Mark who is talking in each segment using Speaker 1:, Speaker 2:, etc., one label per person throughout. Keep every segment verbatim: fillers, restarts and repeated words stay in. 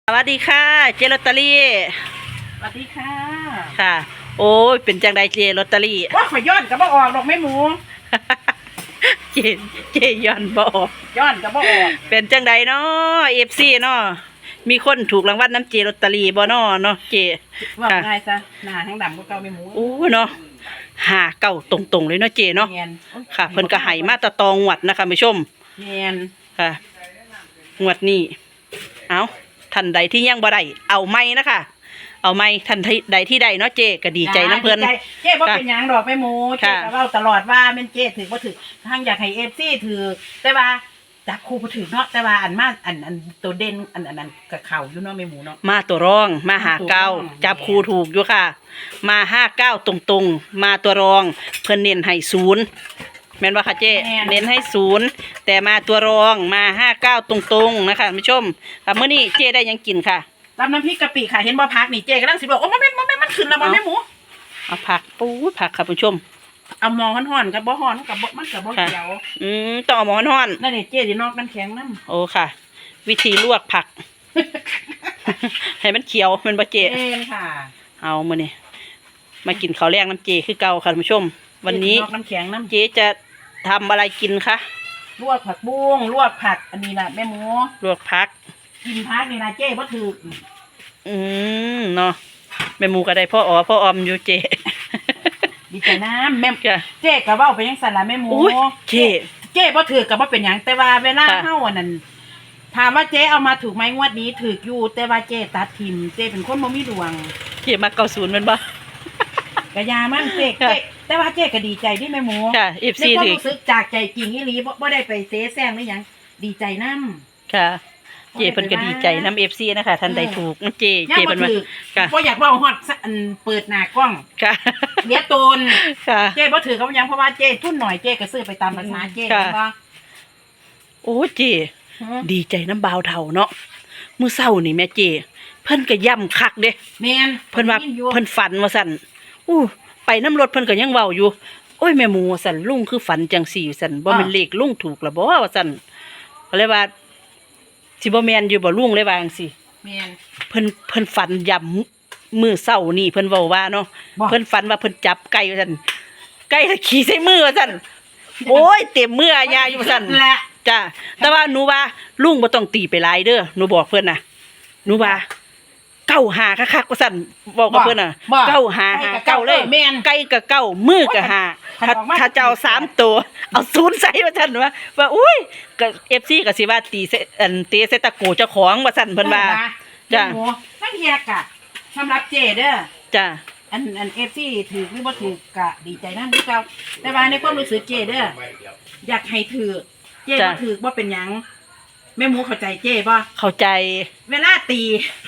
Speaker 1: สวัสดีค่ะเจลอตเตอรี่
Speaker 2: สวัสดีค่ะ
Speaker 1: ค่ะโอ้ยเป็นจังใดเจลอตเตอรี่
Speaker 2: ว่าขอยย้อนกับบ่ออกดอกแม่หมู
Speaker 1: เจเจย้อนบออก
Speaker 2: ย้อนกับบ่ออก
Speaker 1: เป็นจังใดเนาะเอฟซีเนาะมีคนถูกรางวัลน้ำเจลอตเตอรี่บ่เนาะเนาะเจ
Speaker 2: ว่าง่ายซะหน้าทั้งดำก็เก่าแม่หมู
Speaker 1: โอ้เนาะหาเก่าตรงๆเลยเนาะเจเนาะค่ะเพิ่นก็ให้มาตะตองวดนะคะผู้ชม
Speaker 2: เนียน
Speaker 1: ค่ะงวดนี้เอาท่านใดที่ยังบ่ได้เอาไม่นะคะเอาไม่ท่านใดที่ใดเนาะเจก็ดีใจน้ำเพิ่น
Speaker 2: เจ๊บ่เป็นหยังดอกแม่หมูเจ๊ก็เว้าตลอดว่าแม่นเจ๊ถือบ่ถือทางอยากให้ เอฟ ซี ถือแต่ว่าจับคู่บ่ถือเนาะแต่ว่าอันมาอันอันตัวเด่นอันอันนั้นก็เข้าอยู่เนาะแม่หมูเนาะ
Speaker 1: มาตัวรองมาหาเก้าจับคู่ถูกอยู่ค่ะมาห้าเก้าตรงๆมาตัวรองเพิ่นเน้นให้ศูนย์แม่นว่าค่ะเจ๊เน้นให้ศูนย์แต่มาตัวรองมาห้าเก้าตรงๆนะคะผู้ชมค่ะเมื่อนี้เจ๊ได้ยังกินค่ะ
Speaker 2: ตำน้ำพริกกะปิค่ะเห็นบ่พักนี่เจ๊กำลังสิบอกโอ้มันมันมันมันขึ้นแล้วบ่แม่หมู
Speaker 1: เอาผักปูผักค่ะผู้ชม
Speaker 2: เอาหมอห่อนๆกับบ่ห่อนกับบ่มันกับบ่เขียว
Speaker 1: อืมต้องเอาหมอห่อน
Speaker 2: นั่นนี่เจ๊สินอกน้ำแข็งน้
Speaker 1: ำโอ้ค่ะวิธีลวกผักให้มันเขียวมันบ่เจ๊
Speaker 2: เองค่ะ
Speaker 1: เอามื้อนี้มากินข้าวแรงน้ำเจคือเก่าค่ะผู้ชมวันนี้
Speaker 2: น้ำแข็งน้ำ
Speaker 1: เจ๊จะทำอะไรกินคะ
Speaker 2: ลวกผักบุ้งลวกผักอันนี้แหละแม่หมู
Speaker 1: ลวกผัก
Speaker 2: กินผักนี่นะเจ๊บ่ถือ
Speaker 1: อืมเนาะแม่หมูก็ได้พ่ออ๋อพ่อออมอยู่เจ๊
Speaker 2: ดีใจน้ำแม่เจ๊ก็เว้าไปยังสั่นละแม่หมู
Speaker 1: เจ๊
Speaker 2: เจ๊บ่ถือก็บ่เป็นหยังแต่ว่าเวลาเฮาอันนั้นถามว่าเจ๊เอามาถูกไหมงวดนี้ถืออยู่แต่ว่าเจ๊ตัดทิมเจ๊เป็นคนบ่มีดวง
Speaker 1: เจ๊มาเก้าศูนย์แม่นบ่
Speaker 2: กะยามันเจ๊เจ๊แต่ว่าเจ๊ก็ดีใจที่แม่หมู
Speaker 1: ค่ะ เอฟ ซี
Speaker 2: ในความรู้สึกจากใจจริงอีหลีบ่ได้ไปเสแสร้งหรือหยังดีใจนำ
Speaker 1: ค่ะเจเพิ่นก็ดีใจน้ำ เอฟ ซี นะคะท่านใดถูกน้ำเจเจเพิ่นว่า
Speaker 2: ค่ะบ่อยากเว้าฮอดอันเปิดหน้ากล้อง
Speaker 1: ค่ะ
Speaker 2: เลียตนค่ะเจบ่ถือกับหยังเพราะว่าเจทุนหน่อยเจก็ซื้อไปตามภาษาเจว่า
Speaker 1: โอ้เจดีใจน้ำบ่าวเฒ่าเนาะมื้อเช้านี่แม่เจเพิ่นก็ย่ำคักเด้
Speaker 2: แม่น
Speaker 1: เพิ่นว่าเพิ่นฝันว่าซั่นอู้ไปน้ำรถเพิ่นก็ยังเว้าอยู่โอ้ยแม่หมูสั่นลุงคือฝันจังสี่สั่นบ่แม่นเลขลุงถูกละบ่ว่าสั่นก็เลยว่าสิบ่แม่นอยู่บ่ลุงเลยว่าจังซี่
Speaker 2: แม่น
Speaker 1: เพิ่นเพิ่นฝันย่ำมื้อเช้านี่เพิ่นเว้าว่าเนาะเพิ่นฝันว่าเพิ่นจับไก่ว่าซั่นไก่ขี่ใส่มือว่าซั่นโอ้ยเต็มมือยาอยู่ซั่นแหละจ้ะแต่ว่าหนูว่าลุงบ่ต้องตีไปหลายเด้อหนูบอกเพิ่นน่ะหนูว่าเก้าหาคักๆว่าซั่นบอกกับเพิ่นน่ะเก้าหาหาเก้าเลยไก่กับเก้ามือกับหาถ้าถ้าเจ้าสามตัวเอาศูนย์ใส่ว่าซั่นว่าว่าอุ้ยก็ เอฟ ซี ก็สิว่าตีอันตีใส่ตะโกเจ้าของว่าซั่นเพิ่นว่า
Speaker 2: จ้ะนั่นเฮียกะสำหรับเจเด้อ
Speaker 1: จ้ะ
Speaker 2: อันอัน เอฟ ซี ถือหรือบ่ถือกะดีใจนำคือเก่าแต่ว่าในความรู้สึกเจเด้ออยากให้ถือเจบ่ถือบ่เป็นหยังแม่หมูเข้าใจเจบ่
Speaker 1: เข้าใจ
Speaker 2: เวลาตี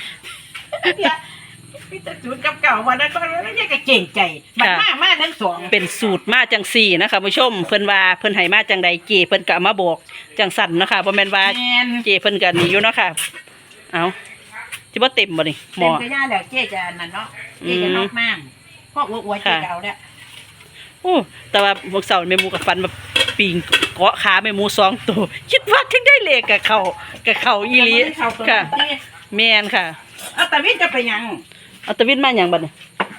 Speaker 2: พี่จะจุดกับเก่าวันนั้นก็แล้วยังก็เก่งใจมันมากมากทั้งสอง
Speaker 1: เป็นสูตรมาจังสี่นะคะผู้ชมเพิ่นว่าเพิ่นให้มาจังใดเจเพิ่นก็มาบอกจังสั่นนะคะบ่แม่นว่าเจเพิ่นก็นี่อยู่เนาะค่ะเอาสิบ่เต็มบ่นี่หมอ
Speaker 2: เต็มกระยาแล้วเจจะนั่นเนาะเจจะนอกน้ำพวกอวยๆเจเอาเนี่ย
Speaker 1: โอ้แต่ว่าพวกเสาแม่หมูกับฟันแบบปิงเกาะขาแม่หมูสองตัวคิดว่าถึงได้เลขกับเขากับเขาอีหลีค่ะแม่นค่ะ
Speaker 2: เอาตะวินจะไปยัง
Speaker 1: เอาตะวินมาอย่างบัดเนี่ย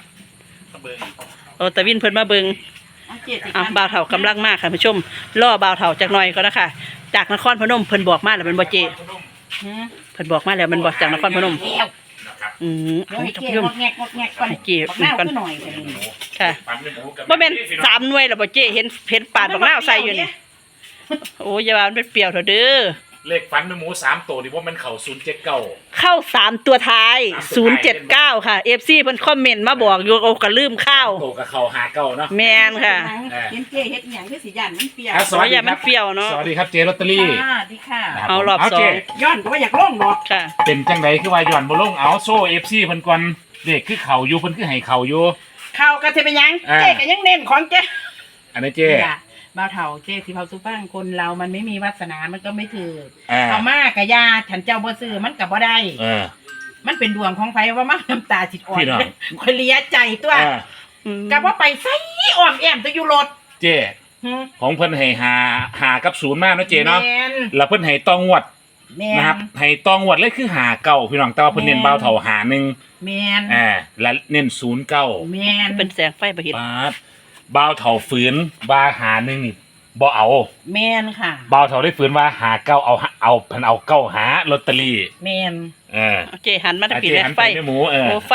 Speaker 1: เอาตะวินเพิ่นมาเบิ่งอ่ะบ่าวเฒ่ากำลังมากค่ะผู้ชมล่อบ่าวเฒ่าจักหน่อยก็นะคะจากนครพนมเพิ่นบอกมาแล้วมันบ่เจเพิ่นบอกมาแล้วมันบอกจากนครพนมอืม
Speaker 2: เอาท่านผู้ชม
Speaker 1: เก็บกันค่ะบ่แม่นสามหน่วยแล้วบ่เจเห็นเห็นปาดบักนาวใส่อยู่นี่โอ้ยอย่าว่ามันเป็นเปรี้ยวเถอะเด้อ
Speaker 3: เลขฟันแม่หมูสามตัวดิว่ามันเข่าศูนย์เจ็ดเก้า
Speaker 1: เข้าสามตัวท้ายศูนย์เจ็ดเก้าค่ะ เอฟ ซี เพิ่นคอมเมนต์มาบอกอยู่โอ้ก็ลืมข้าว
Speaker 3: โตกับเข่าหาเก้าเนาะ
Speaker 1: แม่นค่ะ
Speaker 2: เห็นเจเฮ็ดหยังคือสิย่านมันเปรี้ยว
Speaker 1: สวัสดีมันเปรี้ยวเนาะ
Speaker 3: สวัสดีครับเจลอตเตอรี่
Speaker 2: ค่ะดีค่ะ
Speaker 1: เอารอบสอง
Speaker 2: ย้อนก็ว่าอยากลงดอก
Speaker 1: ค่ะ
Speaker 3: เป็นจังไดคือว่าย้อนบ่ลงเอาโซ่ เอฟ ซี เพิ่นก่อนเด็กคือเข่าอยู่เพิ่นคือให้เข่าอยู่
Speaker 2: เข่าก็สิเป็นหยังเจก็ยังเน้นของเจ
Speaker 3: อันนี้เจ
Speaker 2: บ่าวเฒ่าเจสิเผาสุฟังคนเรามันไม่มีวาสนามันก็ไม่ถือเอามากะยาฉันเจ้าบ่ซื้อมันก็บ่ได้
Speaker 3: เออ
Speaker 2: มันเป็นดวงของไผว่ามาน้ำตาจิตอ่อนคอยเลียใจตัวก็บ่ไปไสอ้อมแอมตัวอยู่รถ
Speaker 3: เจของเพิ่นให้หาหากับศูนย์มาเนาะเจเนาะแล้วเพิ่นให้ต้องงวด
Speaker 2: แม่น
Speaker 3: นะครับให้ตองวดเลยคือหาเก้าพี่น้องแต่ว่าเพิ่นเน้น
Speaker 2: แม่น
Speaker 3: เบาเท่าหาหนึ่ง
Speaker 2: แม่น
Speaker 3: อ่าและเน้นศูนย์เก้า
Speaker 2: แม่น
Speaker 1: เป็นแสงไฟบ่เห็น
Speaker 3: บาทเบาเท่าฝืนบาหาหนึ่งนี่บ่เอา
Speaker 2: แม่นค่ะ
Speaker 3: เบาเท่าได้ฝืนว่าหาเก้าเอาเอาเพิ่นเอาเก้าหาลอตเตอรี่
Speaker 2: แม่น
Speaker 3: เออ
Speaker 1: เอาเจหันมาทาง
Speaker 3: อา
Speaker 1: ผี
Speaker 3: เจ
Speaker 1: แล้
Speaker 3: หัน
Speaker 1: ไฟ
Speaker 3: ไปไม่หมูเออ
Speaker 1: โอ้ไฟ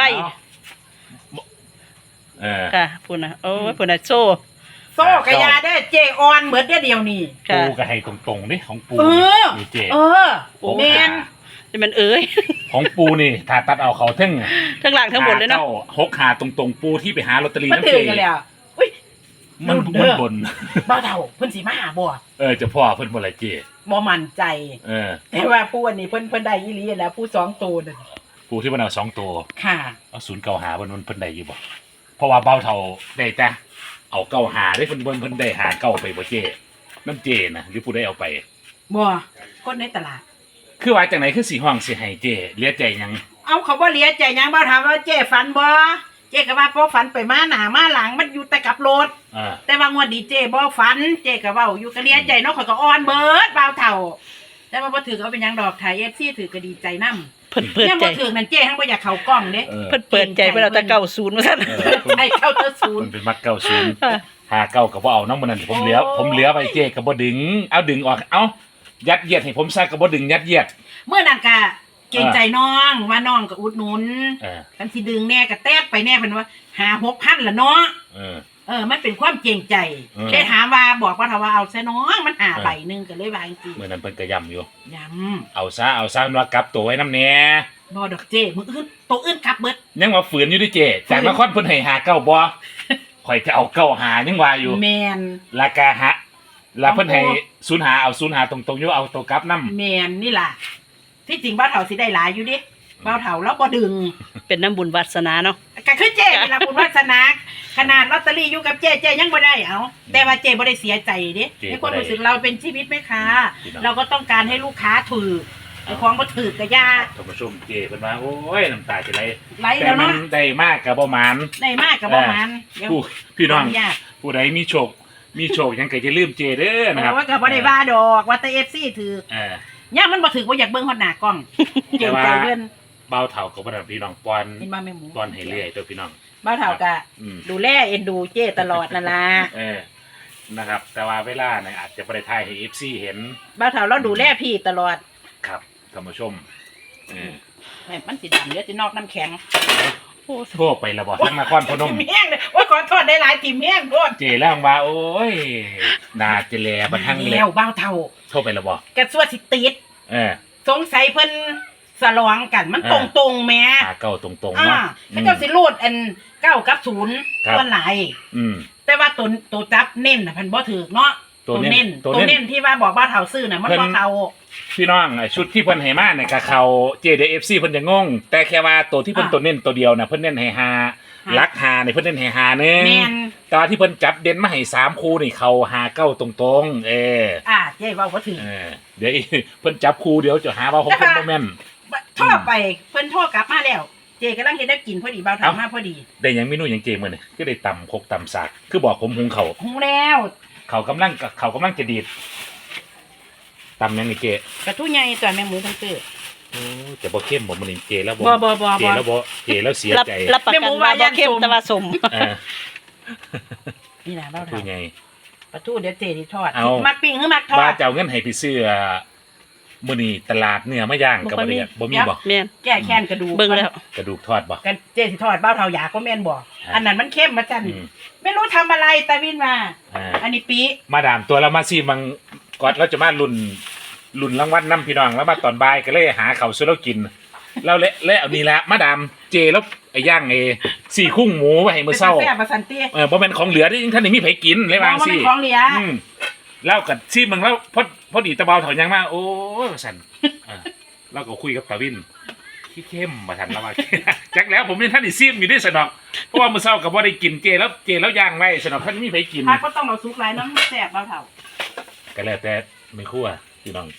Speaker 3: เออ
Speaker 1: ค่ะพูดนะโอ้ยพูดนะโซ่
Speaker 2: โซ่กะยาได้เจออนเหมือนเดียวเดียวนี่
Speaker 1: ค่ะ
Speaker 3: ปูก็ให้ตรงๆนี่ของปู
Speaker 2: เออ
Speaker 3: นี่เจ
Speaker 2: เออ
Speaker 3: โอ้
Speaker 2: แม่น
Speaker 1: จะมันเอ้ย
Speaker 3: ของปูนี่ถ้าตัดเอาเขาเทั้ง
Speaker 1: ทั้งหลังทั้งหมดเลยเนาะ
Speaker 3: หหกหาตรงๆปูที่ไปหาลอตเตอรี่
Speaker 2: มา
Speaker 3: น้ำ
Speaker 2: ถึ
Speaker 3: เจ
Speaker 2: งกันแล้วอุ้ย
Speaker 3: มัน
Speaker 2: เด้
Speaker 3: มัน
Speaker 2: อ
Speaker 3: บน
Speaker 2: บ้าเฒ่าเพิ่นสิมาหาบ่
Speaker 3: เออเจะพ่อเพิ่นบ่ละเจ
Speaker 2: บ่มั่นใจ
Speaker 3: เออ
Speaker 2: แต่ว่าผู้อันนี้เพิ่นเพิ่นได้อีหลีแล้วผู้สองตัวนั่น
Speaker 3: ปูที่มันเอาสองตัว
Speaker 2: ค่ะ
Speaker 3: เอาศูนย์เก้าหาเพิ่นมันเพิ่นได้อยู่บ่เพราะว่าเบาเท่าได้แต่เอาเก้าหาได้เพิ่นเพิ่นเพิ่นได้หาเก้าไปบ่เจน้ำเจนะหรือผู้ได้เอาไป
Speaker 2: บ่คนในตลาด
Speaker 3: คือว่าจังไหนคือสีห้องสิให้เจเหลียใจหยัง
Speaker 2: เอาเขาบ่เหลียใจหยังบ่ถามว่าเจ้ฝันบ่เจ้ก็ว่าพอฝันไปมาหน้ามาหลังมันอยู่แต่กับรถ
Speaker 3: อ่า
Speaker 2: แต่ว่างวดนี้เจ้บ่ฝันเจ้ก็เว้าอยู่ก็เหลียใจเนาะข่อยก็อ่อนเบิดบ่าวเฒ่า แต่ว่าบ่ถือก็เอาเป็นหยังดอกถ่าย เอฟ ซี ถือก็ดีใจนำ
Speaker 1: เพิ่นเปิด
Speaker 2: เนี่ย
Speaker 1: ใจ
Speaker 2: บ่ถือนั่นเจ้ทั้งบ่อยากเข้ากล้องเด้
Speaker 3: เออ
Speaker 1: เพิ่นเปิดใจเพิ่นเอาแต่เก้าศูนย์มาซั่น
Speaker 3: เออเพิ่น
Speaker 2: ใช่เข้าเตอศูน
Speaker 3: เพิ่
Speaker 2: ย์
Speaker 3: นเป็นมักเก้าศูนย์
Speaker 1: ค่ะ
Speaker 3: หาเก้าก็บ่เอาน้ำมันนั่นผมเหลือ
Speaker 2: โอ้
Speaker 3: ผมเหลือไปเจก็บ่ดึงเอาดึงออกเอายัดเยียดให้ผมซะก็บ่ดึงยัดเยียด
Speaker 2: เมื่อนั้นก็เกรงใจน้องว่าน้องก็อุดหนุน
Speaker 3: เออ
Speaker 2: กันสิดึงแน่ก็แตกไปแน่เพิ่นว่าหา หกพันละเนาะ
Speaker 3: เออ
Speaker 2: เออ มันเป็นความเกรงใจ
Speaker 3: เออ
Speaker 2: ได้ถามว่าบอกว่าถ้าว่าเอาซะน้องมันหา
Speaker 3: เออ
Speaker 2: ใบหนึงก็เลยว่าจริง
Speaker 3: เมื่อนั้นเพิ่นก็ย้ำอยู่
Speaker 2: ๆย้
Speaker 3: เอาซะเอาซะว่ากลับตัวไว้น้ำแหน่
Speaker 2: ำบ่ดอกเจ้มืออื่นตัวอื่นกลับเบิด
Speaker 3: ยังว่าฝืนอยู่ดิเจจากนครเพิ่นให้หาเก้าบ่ข่อยจะเอาเก้าหายังว่าอยู่
Speaker 2: แมน
Speaker 3: ราคาฮะแล้วเพิ่นให้ศูนย์หาเอาศูนย์หาตรงๆอยู่เอาตัวกลับนำ
Speaker 2: แมนนี่ล่ะ ที่จริงบ้าวเถาสิได้หลายอยู่ดิบ้าวเถาแล้วบ่ดึง
Speaker 1: เป็นน้ำบุญวาสนาเนาะ
Speaker 2: ก็คือเจ้เวลาบุญวาสนาขนาดลอตเตอรี่อยู่กับเจ้เจ้ยังบ่ได้เอาแต่ว่าเจ้บ่ได้เสียใจเด้ในความรู้สึกเราเป็นชีวิตแม่ค้าเราก็ต้องการให้ลูกค้าถือไอ้ของบ่ถือกะยา
Speaker 3: ท่านผู้ชมเจเพิ่นว่าโอ้ยน้ำตาจะไหล
Speaker 2: ไหล
Speaker 3: แต่
Speaker 2: แล้ว
Speaker 3: มั
Speaker 2: เนาะ
Speaker 3: นได้มากก็บ่หมาน
Speaker 2: ได้มากกับบ่มันเดี๋ยว
Speaker 3: ผู้พี่น้อง
Speaker 2: ขญาต
Speaker 3: ผู้ใดมีโชค มีโชคยังก็จะลืมเจเด้อนะครับ
Speaker 2: โอ้ยก็บ่ได้ว่าดอกว่าแต่ เอฟ ซี ถือ
Speaker 3: เออย่
Speaker 2: ามันบ่ถือบ่อยากเบิ่งฮอดหน้ากล้องเก่งใจเพิ่น
Speaker 3: เบาเท่ากับบ่ได้พี่น้องปอน
Speaker 2: นี่มาแม่หมู
Speaker 3: ปอนให้เรื่อยตัวพี่น้อง
Speaker 2: บ้าวเฒ่าก็
Speaker 3: อืม
Speaker 2: ดูแลเอ็นดูเจ้ตลอดนั่นล่ะ
Speaker 3: เออนะครับ แต่ว่าเวลาเนี่ยอาจจะบ่ได้ถ่ายให้ เอฟ ซี เห็น
Speaker 2: บ้าวเฒ่าเราดูแลพี่ตลอด
Speaker 3: ครับท่านผู้ชมเออ
Speaker 2: แม่มันสิดำเดี๋ยวสินอกน้ำแข็ง
Speaker 1: โอ้
Speaker 3: โทรไปแล้วบ่ทั้งนครพนม
Speaker 2: ทีมแห้งเลยโอ้ยขอโทษได้หลายทีมแห้งโทษ
Speaker 3: เจแล้วว่าโอ้ยนาเจแลบันทั้งเลย
Speaker 2: แล้วบ้าวเฒ่า
Speaker 3: โทรไปแล้วบ่
Speaker 2: กระสวดสิติด
Speaker 3: เออ
Speaker 2: สงสัยเพิ่นสลองกันมัน
Speaker 3: เออ
Speaker 2: ตรงตรงๆแหม่
Speaker 3: หาเก้าตรงๆ
Speaker 2: อ่า
Speaker 3: เนาะ
Speaker 2: ถ้าเจ้าสิรูดอันเก้ากับศูนย์
Speaker 3: ครับ
Speaker 2: ตัวไหน
Speaker 3: อืม
Speaker 2: แต่ว่าตัวตัวจับเน้นน่ะเพันบ่ถือเนาะ
Speaker 3: ตัวเน้น
Speaker 2: ตัว
Speaker 3: ตัวเน้น
Speaker 2: เน้นที่ว่าบอกบ้าวเฒ่าซื้อน่ะมัน
Speaker 3: เพิ่น
Speaker 2: บ่เข้า
Speaker 3: พี่น้องไอ้ชุดที่เพิ่นให้มาเนี่ยก็เขาเจเดเอฟซีเพิ่นจะงง แต่แค่ว่าตัวที่เพิ่น
Speaker 2: อ่า
Speaker 3: ตัวเน้นตัวเดียวน่ะเพิ่นเน้นให้หา
Speaker 2: ฮะ
Speaker 3: ลักหาเนี่ยเพิ่นเน้นให้หาหนึง
Speaker 2: แม่น
Speaker 3: แตว่าที่เพิ่นจับเด่นมาให้สามคู่นี่เขาหาเก้าตรงๆ เออ
Speaker 2: อ่าเจ๊เว้าบ่ถือ
Speaker 3: เออเดี๋ยวอี เพิ่นจับคู่เดี๋ยวจะหาว่าผมเพิ่นบ่แม่น
Speaker 2: โทรไปเพิ่นโทรกลับมาแล้ว เจ๊กำลังเฮ็ดได้กินพอดีบ้าวเฒ่า
Speaker 3: เอ้าม
Speaker 2: มาพอดี
Speaker 3: ได้หยังเมนูหยังเจมื้อนี่ก็ได้ตำคกตำสากคือบอกผมหุงเขาว
Speaker 2: หูแล้ว
Speaker 3: เขากำลังเขากำลังจะดีดตำหยังนี่เจ
Speaker 2: กระทู้ใหญ่ตัวแม่หมูทั้งตื้อ
Speaker 3: โอ้จะบ่เข้มบ่มื้อนี้เจแล้วบ่
Speaker 2: บ่บ่บ่
Speaker 3: เจ
Speaker 2: บ่
Speaker 3: แล้วบ่เจแล้วเสีย
Speaker 1: รับ
Speaker 3: ใจ
Speaker 1: รับประกัน
Speaker 2: แม่หมู
Speaker 1: ว่า
Speaker 2: ว่า
Speaker 1: บ่
Speaker 2: ย่าน
Speaker 1: เข้ม
Speaker 2: สม
Speaker 1: แต่ว่าสม
Speaker 3: เออ
Speaker 2: นี่นะบ้าว
Speaker 3: คื
Speaker 2: เฒ่า
Speaker 3: อไง
Speaker 2: กระทู้เดี๋ยวเจ๊สิทอด
Speaker 3: เอา
Speaker 2: มักปิ้งหรือมักทอ
Speaker 3: ว่า
Speaker 2: ด
Speaker 3: จะเอาเงินให้ไปซื้อมื้อนี้ตลาดเนื้อมาย่างกับบ่ได้บ่มีบ่
Speaker 1: แม่น
Speaker 2: แก้แค้นกระดูก
Speaker 1: เบิ่งแล้ว
Speaker 3: กระดูกทอดบ่
Speaker 2: กันเจ๊สิทอดบ้าวเฒ่าอยากก็แม่นบ่อันนั้นมันเข้มมาจัน
Speaker 3: อืม
Speaker 2: ไม่รู้ทำอะไรตาวินมา
Speaker 3: อ่า
Speaker 2: อันนี้ปี
Speaker 3: มาดามตัวเรามาซีมังกอดเราจะมาลุ่นลุ่นรางวัลน้ำพี่น้องแล้วมาตอนบ่ายก็เลยหาเขาวซื้อเรากินเราเละเละเอานี่ละมาดามเจแล้วไอ้ย่างไอ้สี่คุ้งหมูไว้ให้มื้อเช้า
Speaker 2: แซ่บมาสันเตี้ย
Speaker 3: เออบ่แม่นของเหลือที่ท่านนี่มีไผกินเลยว่า
Speaker 2: ว่า
Speaker 3: สิ
Speaker 2: มันของเหลีย
Speaker 3: อืมแล้วกับซีมังแล้วพอพอดีตะเบาถอยยังมาโอ้ยว่าซั่นเออเราก็คุยกับตาวินขี้เข้มมาทันแล้วว่า จักแล้วผมเป็นท่านอีซีมอยู่ด้วยสนอกเพราะว่ามื้อเช้าก็บ่ได้กินเจแล้วเจแล้วย่างไว้สนอกท่านมีไผกิน
Speaker 2: พักก็ต้องเอาซุกหลายน้ำแซ่บบ้าวเฒ่า
Speaker 3: ก็แล้วแต่ไม่ครั่วพี่น้อง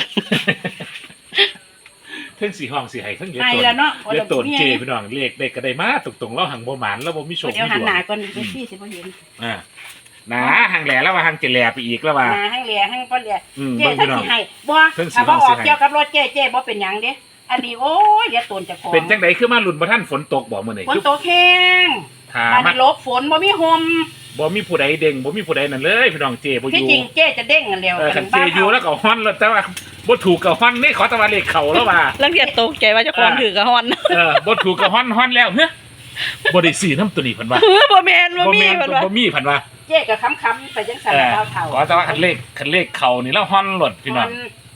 Speaker 3: เทั้งสีห้องสีไห้เทั้งเยอะ
Speaker 2: ไอ้
Speaker 3: ตน
Speaker 2: แล้วเนาะ
Speaker 3: เยอะตนเจพี่น้องเลขเด็กก็ได้มาตรงๆเราหังบ่หมานเราบ่มีโชค
Speaker 2: เดี๋ยว
Speaker 3: มี
Speaker 2: หัน
Speaker 3: ดว
Speaker 2: หน้าง ก่อนเดี๋ยวพี่สิบ่เห็น
Speaker 3: อ่าหนาหางแหล่แล้วว่าหางจะแหล่ไปอีกแล้วว่า
Speaker 2: หนาหั่งแหล่หั่งบ่แหล่
Speaker 3: อืม
Speaker 2: เจ๊
Speaker 3: เบิ่ง
Speaker 2: ถ้า
Speaker 3: พี่น้อง
Speaker 2: สิให้บ่
Speaker 3: เพิ่งสิ
Speaker 2: ถ้าบ่อ
Speaker 3: เพิ่
Speaker 2: อง ก
Speaker 3: สิให้
Speaker 2: เกี่ยวกับรถเจ๊เจ๊บ่เป็นหยังเด้อันนี้โอ้ยเดี๋ยวตนเจะของ
Speaker 3: เป็นจังไดคือมาหลุนบ่ท่านฝนตกบ่มื้อนี้
Speaker 2: ฝน
Speaker 3: คือ
Speaker 2: ตกแห้ง
Speaker 3: ถา
Speaker 2: บ้าน
Speaker 3: มา
Speaker 2: นี้หลบฝนบ่มีห่ม
Speaker 3: บ่มีผู้ใดเด้งบ่มีผู้ใดนั่นเลยพี่น้องเจบ่อ
Speaker 2: ที่
Speaker 3: ยู่
Speaker 2: จริงเจ๊จะเด้งกันแล้ว
Speaker 3: เออคันเจ
Speaker 2: บ้าน
Speaker 3: อยู่
Speaker 2: เฮา
Speaker 3: แล้วก็ฮ้อนแล้วแต่ว่าบ่ถูกกับฮ้อนนี่ขอแตะวันเลขเข้าแล้วว่า
Speaker 1: ลังเทียตกใจว่าเจะของถือกระหอน
Speaker 3: เออบ่ถูกกับฮ้อนฮ้อนแล้วเฮ้ยบ่ได้ซื้อน้ำตัวนี้เพิ่นว่า
Speaker 1: เออบ่แม่นบ่มี
Speaker 3: แม่น
Speaker 1: เพิ่นว่า
Speaker 3: บ่มีเพิ่นว่า
Speaker 2: เจ๊ก็ค้ำๆไปจังซั่น
Speaker 3: เออ
Speaker 2: เฒ่าๆ
Speaker 3: ขอแต่ว่าคันเลขคันเลขเข้านี่แล้วฮ้อนหลดพี่น้อง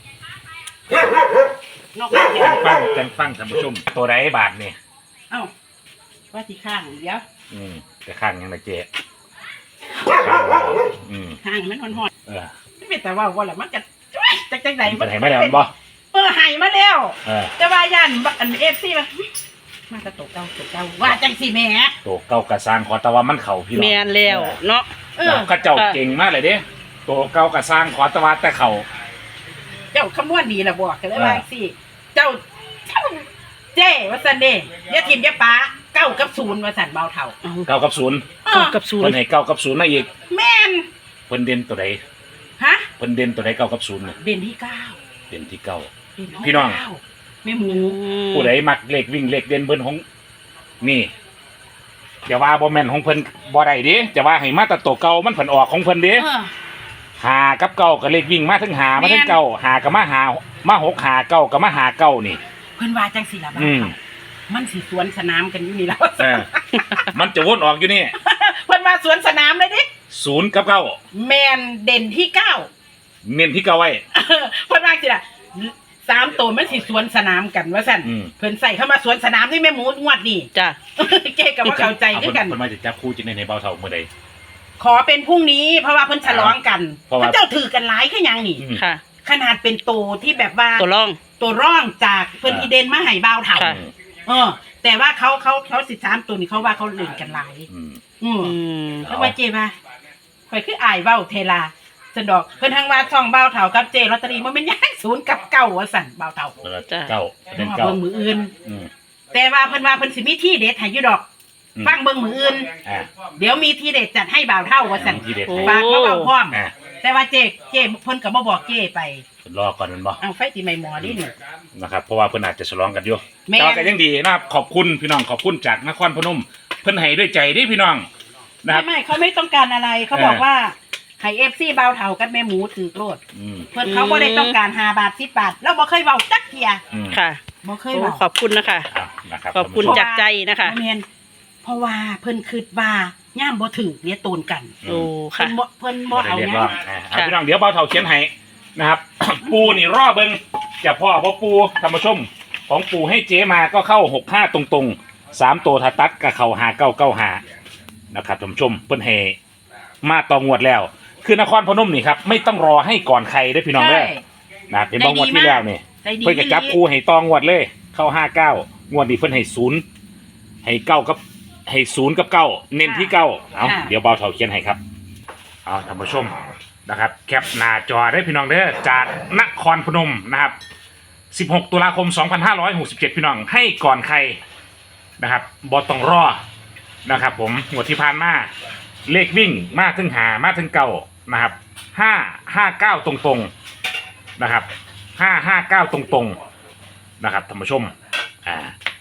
Speaker 2: นอกจากเดี๋ยว
Speaker 3: ฟังกันฟังท่านผู้ชมตัวใดบาทนี่
Speaker 2: เอ้าว่าสิข้างเดี๋ยว
Speaker 3: อืมแต่ข้างยังละเจข้างเราอืม
Speaker 2: ข้างมันฮ้อน
Speaker 3: เออ
Speaker 2: ๆไม่เป็นแต่ว่าว่าล่ะมันก็จักจังได๋
Speaker 3: มันให้มาแล้วมันบ่
Speaker 2: เออให้มาแล้ว
Speaker 3: เออ
Speaker 2: แต่ว่าย่านอัน เอฟ ซี ว่ามาจะตกเก่าตกเก่าว่าจังสิแหม่
Speaker 3: ตัวเก่ากระสร้างขอแต่ว่ามันเข้าพี่น้อง
Speaker 1: แม่นแล้วเนาะ
Speaker 2: เออ
Speaker 3: ก็เจ้าเก่งมากเลยเด้ตัวเก่ากระสร้างขอแต่ว่าแต่เข้า
Speaker 2: เจ้าคำนวณดีละบอกกันเลยว่าสิเจ้าเจ้าเจ้ว่าซั่นเด้อย่าทิมอย่าป้าเก้ากับศูนย์ว่าซั่นเบาเท่า
Speaker 1: เอา
Speaker 3: เก้ากับศูนย์
Speaker 2: เอ
Speaker 1: เก้า
Speaker 2: อ
Speaker 1: กับศูน
Speaker 3: เพิ่
Speaker 1: ย์
Speaker 3: นให้เก้ากับศูนย์มาอีก
Speaker 2: แม่น
Speaker 3: เพิ่นเด่นตัวใด
Speaker 2: ฮะ
Speaker 3: เพิ่นเด่นตัวใดเก้ากับศูนย์เนี่ย
Speaker 2: เด่นที่เก้า
Speaker 3: เด่นที่เก้า
Speaker 2: เด่น
Speaker 3: พี่น้อง
Speaker 2: เก้าแม่หมู
Speaker 3: ผู้ใดมักเลขวิ่งเลขเด่นเพิ่นของนี่จะว่าบ่แม่นของเพิ่นบ่ได้เด้จะว่าให้มาแต่ตัวเก่ามันเพิ่นออกของเพิ่นเด้
Speaker 2: เออ
Speaker 3: หากับเก้าก็เลขวิ่งมาทั้งหามาทั้งเก้าหากับมาหามาหกหาเก้ากับมาหาเก้านี่
Speaker 2: เพิ่นว่าจังสิล่ะบ้า
Speaker 3: อืม
Speaker 2: มันสิสวนสนามกันอยู่นี่แล้ว
Speaker 3: เออมันจะวนออกอยู่นี่
Speaker 2: เพิ่นว่าสวนสนามเลยดิ
Speaker 3: ศูนย์กับเก้า
Speaker 2: แมนเด่นที่เก้า
Speaker 3: เน้นที่เก้าไว้
Speaker 2: เพิ่นว่าสิล่ะสามตัวมันสิสวนสนามกันว่าสั่น
Speaker 3: อืม
Speaker 2: เพิ่นใส่เข้ามาสวนสนามที่แม่หมูงวดนี่
Speaker 1: จ้ะ
Speaker 2: เจ๊กับว่าเข้าใจ
Speaker 3: เอา
Speaker 2: ด้
Speaker 3: เพิ่
Speaker 2: วน ยกัน
Speaker 3: เพิ่นมาจะจับคู่จิในในเบาเท่าเมื่อใด
Speaker 2: ขอเป็นพรุ่งนี้เพราะว่าเพิ่นฉลองกัน
Speaker 3: เพราะว่า
Speaker 2: พระเจ้าถือกันหลายคือหยังนี่
Speaker 3: อืม
Speaker 1: ค่ะ
Speaker 2: ขนาดเป็นโตที่แบบว่า
Speaker 1: ตัวร่อง
Speaker 2: ตัวร่องจากเพิ่น
Speaker 3: อ่า
Speaker 2: อีเดนมาให้บ่าวเฒ่า
Speaker 1: ค่ะ
Speaker 2: เออ แต่ว่าเขาเขาเขาสิบสามตัวนี่เขาว่าเขาเล่นกันหลาย
Speaker 3: อืม
Speaker 2: อืม
Speaker 1: อืม
Speaker 2: แล้วว่าเจมาข่อยคืออายเว้าเทลาสันดอกเพิ่นทางว่าช่องบ่าวเฒ่ากับเจลอตเตอรี่มันเป็นหยังศูนย์กับเก้าว่าสั่นบ่าวเฒ่า
Speaker 3: แล้วก็เก้าเป็น
Speaker 2: เอา
Speaker 3: เก้า
Speaker 2: เบิ่งมืออื่น
Speaker 3: อืม
Speaker 2: แต่ว่าเพิ่นว่าเพิ่นสิมีที่เด็ดให้อยู่ดอก
Speaker 3: อืม
Speaker 2: ฟังเบิ่งมืออื่น
Speaker 3: อ่า
Speaker 2: เดี๋ยวมีที่เด็ดจัดให้บ่าวเฒ่าว่าสั่น
Speaker 3: มีที่เด็ด
Speaker 1: โอ้
Speaker 2: ฝากมาเว้าพร้อม
Speaker 3: อ่า
Speaker 2: แต่ว่าเจเจเพิ่นก็บ่บอกเจไป
Speaker 3: รอก่อนมันบ่
Speaker 2: เอาไฟสิไม่หมอดินี่
Speaker 3: นะครับเพราะว่าเพิ่นอาจจะฉลองกันอยู่
Speaker 2: แม่น
Speaker 3: แต่ว่าก็ยังดีนะครับขอบคุณพี่น้องขอบคุณจากนครพนมเพิ่นให้ด้วยใจเดิพี่น้องนะค
Speaker 2: ไม่
Speaker 3: รับ
Speaker 2: ไม่เขาไม่ต้องการอะไรเขาบอก
Speaker 3: เออ
Speaker 2: ว่าให้ เอฟ ซี บ่าวเฒ่ากับแม่หมูถือโลด
Speaker 3: อืม
Speaker 2: เพิ่นเขาบ่ได้ต้องการห้าบาทสิบบาทแล้วบ่เคยเว้าจักเที่ย
Speaker 3: อืม
Speaker 1: ค่ะ
Speaker 2: บ่เคย
Speaker 1: โอ้
Speaker 2: เว้า
Speaker 1: ขอบคุณนะคะ
Speaker 3: อ่ะนะครับ
Speaker 1: ขอบคุณ
Speaker 3: ท่านผู้ชม
Speaker 1: จากใจนะคะ
Speaker 2: บ่แม่นเพราะว่าเพิ่นคิดว่าย่ามบ่ถือเนี่ยตูนกัน
Speaker 1: โอ้
Speaker 2: เพิ่
Speaker 1: ค่ะ
Speaker 2: นบ่เพิ่นบ่
Speaker 3: บ่ได้
Speaker 2: เอา
Speaker 3: เรียก
Speaker 2: หยั
Speaker 3: ร้อง งอ่ะเอา
Speaker 1: ค่ะ
Speaker 3: พี่น้องเดี๋ยวเบาเท่าเขียนให้นะครับ ปูนี่รอเบิ่งจะพ่อบ่ปูท่านผู้ชมของปูให้เจ๊มาก็เข้าหกห้าตรงๆสามตัวถ้าตัดก็เข้าห้าเก้าเก้าห้านะครับท่านผู้ชมเพิ่นให้มาต่องวดแล้ว คือนครพนมนี่ครับไม่ต้องรอให้ก่อนใครได้อพี่น้องเด้อ
Speaker 2: ใช่
Speaker 3: นะเห็นบ้างวดที่แล้วนี่
Speaker 2: ได้ดี
Speaker 3: เพิ่นก็จับคู่ให้ตองวดเลย เข้าห้าเก้างวดนี้เพิ่นให้ศูนย์ให้เก้ากับให้ศูนย์กับเก้าเน้นที่เก้าเอาเดี๋ยวเบาเท่าเขียนให้ครับเอาท่านผู้ชมนะครับ แคปหน้าจอได้พี่น้องเด้อจากนครพนมนะครับสิบหกตุลาคมสองพันห้าร้อยหกสิบเจ็ดพี่น้องให้ก่อนใครนะครับบอต้องรอนะครับผมงวดที่ผ่านมาเลขวิ่งมาถึงหามาถึงเก้านะครับห้าห้าเก้าตรงๆนะครับห้าห้าเก้าตรงๆนะครับท่านผู้ชมอ่า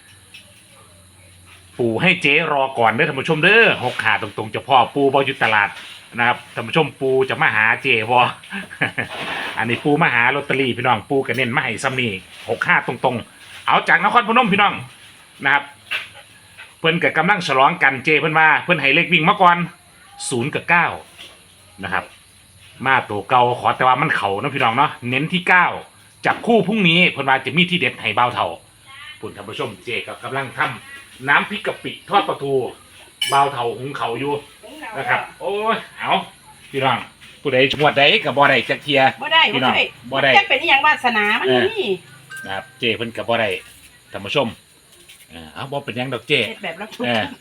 Speaker 3: ปูให้เจ๊รอก่อนเด้อท่านผู้ชมเด้อหกขาตรงๆเจะพ่อปูบอยู่ตลาดนะครับท่านผู้ชมปูจะมาหาเจ๊บอ อันนี้ปูมาหาลอตเตอรี่พี่น้องปูกันเน้นมาให้ซ้ำนี่หกห้าตรงๆเอาจากนครพนมพี่น้องนะครับเพิ่นกับกำลังฉลองกันเจเพิ่นว่าเพิ่นให้เลขวิ่งมาก่อนศูนย์กับเก้านะครับมาตัวเก่าขอแต่ว่ามันเข่านะพี่น้องเนาะเน้นที่เก้าจับคู่พรุ่งนี้เพิ่นว่าจะมีที่เด็ดให้เบาเท่าปุ่นท่านผู้ชมเจก็กำลังทำน้ำพริกกะปิทอดปลาทูเบาเท่าหุงเขาวอยู่นะครับโอ้ยเอาพี่น้องผู้ใดชวดใดกับบ่ได้จักเทีย
Speaker 2: บ่ได้
Speaker 3: พี่
Speaker 2: บ่
Speaker 3: น้อง
Speaker 2: ได้
Speaker 3: บ่ได้
Speaker 2: จะเป็นอหย่างวาสนามันนี่
Speaker 3: นะครับเจเพิ่นกับบ่ได้ท่านผู้ชมเออเอาบ่เป็นหยังดอกเจ
Speaker 2: เฮ็ดแบบรับ
Speaker 3: เออ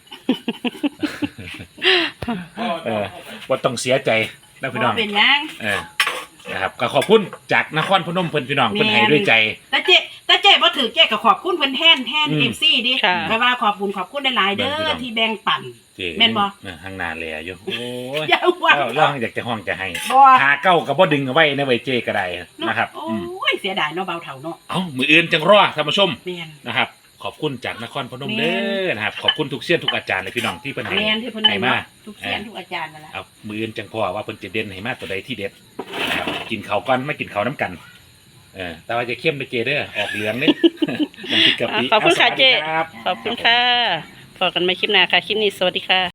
Speaker 3: เออบ่ต้องเสียใจนะพี่น้อง
Speaker 2: บ่เป็นหยัง
Speaker 3: เออนะครับก็ขอบคุณจากนครพนมเพิ่นพี่น้องเพิ่นให้ด้วยใจ
Speaker 2: แต่เจ๊แต่เจ๊บ่ถือเจ๊ก็ขอบคุณเพิ่นแทนแทน
Speaker 3: อืม
Speaker 2: เอฟซีดิ
Speaker 1: ค่ะ
Speaker 2: แปลว่าขอบคุณขอบคุณหลายๆเด้
Speaker 3: เบิ่งพี่น้
Speaker 2: อ
Speaker 3: อง
Speaker 2: ที่แบ่งปัน
Speaker 3: เจ๊
Speaker 2: แม่นบ่
Speaker 3: เออข้างหน้าแลอยู่โอ้ย
Speaker 2: อย่าว่า
Speaker 3: เราเราอยากจะห้องจะให้
Speaker 2: บ่
Speaker 3: หาเก้าก็บ่ดึงเอาไว้ในไว้เจก็ได้นะครับ
Speaker 2: โอ้
Speaker 3: อืม
Speaker 2: ยเสียดายเนาะเบาเฒ่าเนาะ
Speaker 3: เอ้ามืออื่นจังรอท่านผู้ชม
Speaker 2: แม่น
Speaker 3: นะครับ ขอบคุณจากนครพนม
Speaker 2: แม่
Speaker 3: เด้อนะครับขอบคุณทุกเสี้ยนทุกอาจารย์เลยพี่น้องที่เพิ่นให้
Speaker 2: แม่นที่เพิ่น
Speaker 3: ให้
Speaker 2: ให้
Speaker 3: มา
Speaker 2: มาทุกเสียนทุกอาจารย์นั่นแหละ
Speaker 3: เอามืออื่นจังพอว่าเพิ่นจะเด่นให้มาตัวใดที่เด็ดนะครับกินข้าวก่อนไม่กินข้าวน้ำกันเออแต่ว่าจะเข้มไปเจเด้อออกเหลืองนี่ น้ำพริกกะปิ
Speaker 1: ขอบคุณค่ะ
Speaker 3: าสวัสดี
Speaker 1: เจ๊
Speaker 3: รับ
Speaker 1: ขอบคุณค่ะพอกันใหม่คลิปหน้าค่ะ คลิปนี้สวัสดีค่ะ